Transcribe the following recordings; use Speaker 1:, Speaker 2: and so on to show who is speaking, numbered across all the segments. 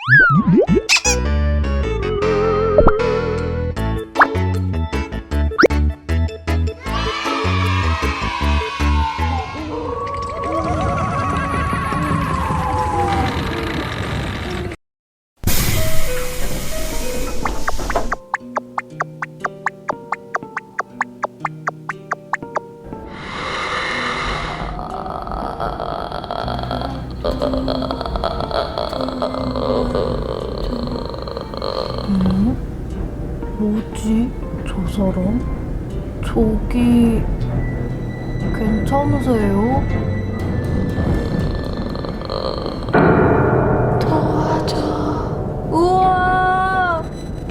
Speaker 1: 뭐지? 저 사람? 저기... 괜찮으세요? 도와줘. 우와!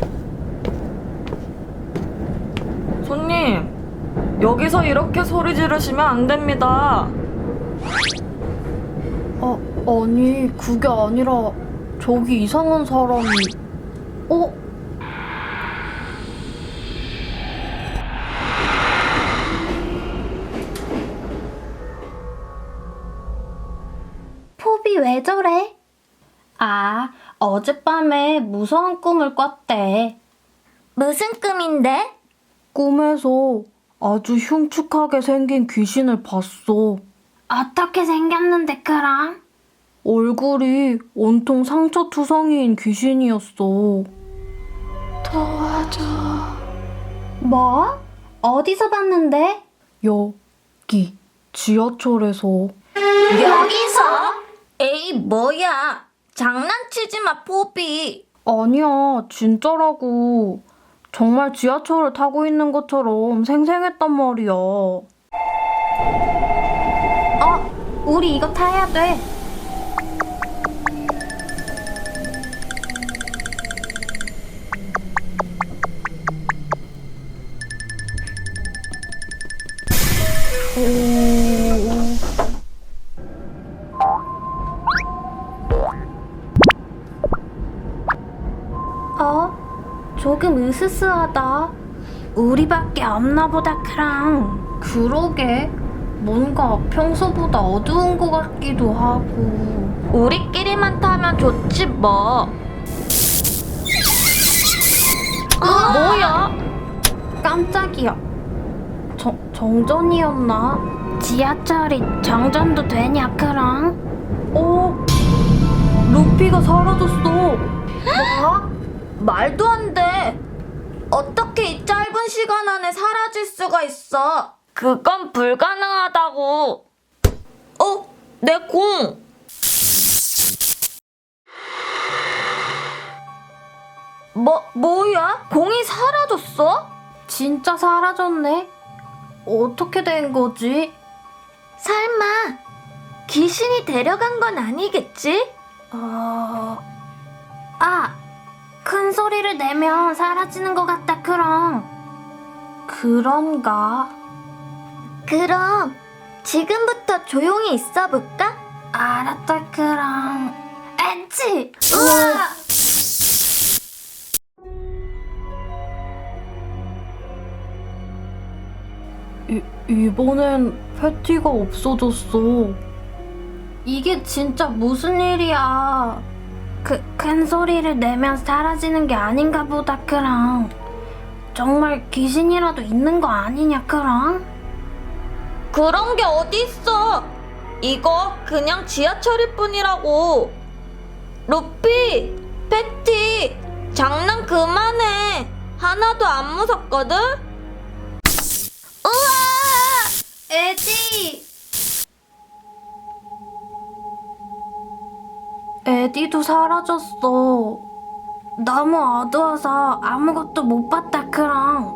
Speaker 2: 손님, 여기서 이렇게 소리 지르시면 안 됩니다.
Speaker 1: 아니 그게 아니라 저기 이상한 사람이...
Speaker 3: 포비 왜 저래?
Speaker 1: 어젯밤에 무서운 꿈을 꿨대.
Speaker 3: 무슨 꿈인데?
Speaker 1: 꿈에서 아주 흉측하게 생긴 귀신을 봤어.
Speaker 3: 어떻게 생겼는데 그럼?
Speaker 1: 얼굴이 온통 상처투성이인 귀신이었어.
Speaker 3: 도와줘. 뭐? 어디서 봤는데?
Speaker 1: 여기 지하철에서.
Speaker 3: 여기서?
Speaker 2: 에이, 뭐야. 장난치지 마, 포비.
Speaker 1: 아니야, 진짜라고. 정말 지하철을 타고 있는 것처럼 생생했단 말이야.
Speaker 3: 우리 이거 타야 돼. 조금 으스스하다. 우리밖에 없나 보다 크랑.
Speaker 1: 그러게. 뭔가 평소보다 어두운 것 같기도 하고.
Speaker 2: 우리끼리만 타면 좋지, 뭐. 뭐야?
Speaker 1: 깜짝이야. 정전이었나?
Speaker 3: 지하철이 정전도 되냐 크랑?
Speaker 1: 루피가 사라졌어.
Speaker 2: 뭐? 말도 안 돼. 어떻게 이 짧은 시간 안에 사라질 수가 있어? 그건 불가능하다고. 내 공. 뭐야? 공이 사라졌어?
Speaker 1: 진짜 사라졌네. 어떻게 된 거지?
Speaker 2: 설마 귀신이 데려간 건 아니겠지?
Speaker 3: 큰 소리를 내면 사라지는 것 같다 크랑.
Speaker 1: 그런가?
Speaker 3: 그럼 지금부터 조용히 있어 볼까?
Speaker 1: 알았다, 크랑.
Speaker 3: 엔치! 우와!
Speaker 1: 이번엔 패티가 없어졌어. 이게 진짜 무슨 일이야?
Speaker 3: 큰 소리를 내면 사라지는 게 아닌가 보다 크랑. 정말 귀신이라도 있는 거 아니냐 크랑?
Speaker 2: 그런 게 어딨어? 이거 그냥 지하철일 뿐이라고. 루피, 패티, 장난 그만해. 하나도 안 무섭거든?
Speaker 3: 에디!
Speaker 1: 에디도 사라졌어.
Speaker 3: 너무 어두워서 아무것도 못 봤다 크랑.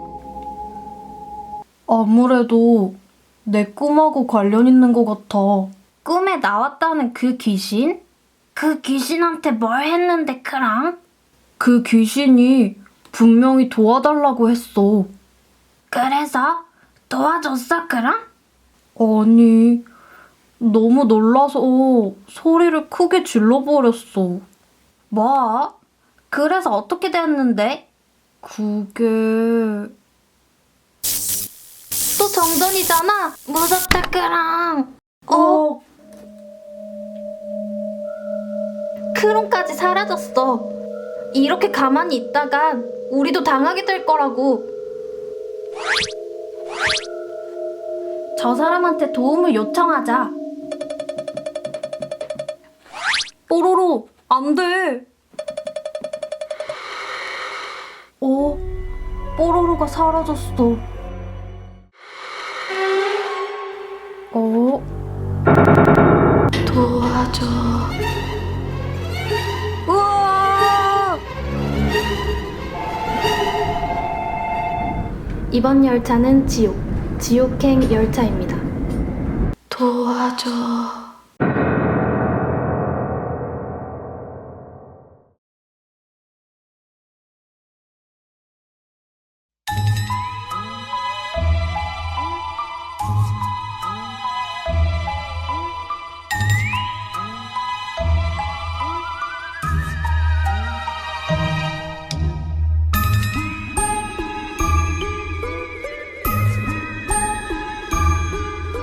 Speaker 1: 아무래도 내 꿈하고 관련 있는 것 같아.
Speaker 3: 꿈에 나왔다는 그 귀신? 그 귀신한테 뭘 했는데 크랑?
Speaker 1: 그 귀신이 분명히 도와달라고 했어.
Speaker 3: 그래서 도와줬어 크랑?
Speaker 1: 아니, 너무 놀라서 소리를 크게 질러버렸어.
Speaker 3: 뭐? 그래서 어떻게 됐는데?
Speaker 1: 그게...
Speaker 3: 또 정전이잖아. 무섭다 크랑. 크롱까지 사라졌어. 이렇게 가만히 있다간 우리도 당하게 될 거라고. 저 사람한테 도움을 요청하자.
Speaker 1: 뽀로로, 안 돼. 뽀로로가 사라졌어.
Speaker 3: 도와줘.
Speaker 1: 우와!
Speaker 3: 이번 열차는 지옥행 열차입니다. 도와줘.